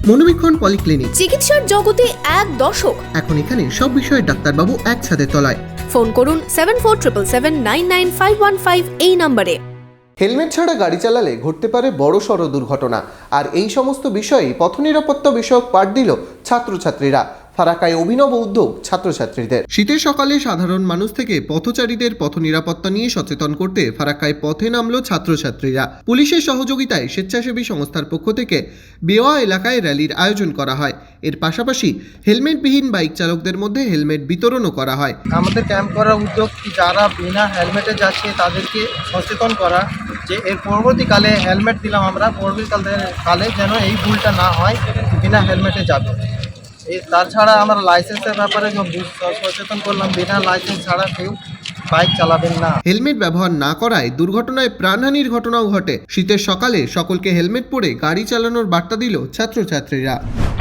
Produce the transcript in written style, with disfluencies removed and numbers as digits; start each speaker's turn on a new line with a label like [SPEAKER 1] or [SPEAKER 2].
[SPEAKER 1] মনোবীক্ষণ polyclinic,
[SPEAKER 2] চিকিৎসার জগতে এক দশক।
[SPEAKER 1] এখন এখানে সব বিষয়ে ডাক্তারবাবু একসাথে তলায়।
[SPEAKER 2] ফোন করুন 7477799515 এই নম্বরে।
[SPEAKER 1] হেলমেট ছাড়া গাড়ি চালালে ঘটতে পারে বড়সড় দুর্ঘটনা, আর এই সমস্ত বিষয়ে পথ নিরাপত্তা বিষয়ক পাঠ দিল ছাত্রছাত্রীরা। ফারাক্কায় অভিনব উদ্যোগ ছাত্রছাত্রীদের। শীতের সকালে সাধারণ মানুষ থেকে পথচারীদের পথ নিরাপত্তা নিয়ে সচেতন করতে ফারাক্কায় পথে নামলো ছাত্রছাত্রীরা। পুলিশের সহযোগিতায় স্বেচ্ছাসেবী সংস্থার পক্ষ থেকে বেওয়া এলাকায় র্যালির আয়োজন করা হয়। এর পাশাপাশি হেলমেটবিহীন বাইক চালকদের মধ্যে হেলমেট বিতরণও করা হয়।
[SPEAKER 3] আমাদের ক্যাম্প করার উদ্যোগ কি যারা বিনা হেলমেটে যাচ্ছে তাদেরকে সচেতন করা, যে এর পরবর্তীকালে হেলমেট দিলাম আমরা, পরবর্তীকালে যেন এই ভুলটা না হয়, বিনা হেলমেটে যাবে। তাছাড়া আমরা লাইসেন্সের ব্যাপারে সচেতন করলাম, বিনা লাইসেন্স ছাড়া কেউ বাইক চালাবেন না।
[SPEAKER 1] হেলমেট ব্যবহার না করায় দুর্ঘটনায় প্রাণহানির ঘটনাও ঘটে। শীতের সকালে সকলকে হেলমেট পরে গাড়ি চালানোর বার্তা দিল ছাত্রছাত্রীরা।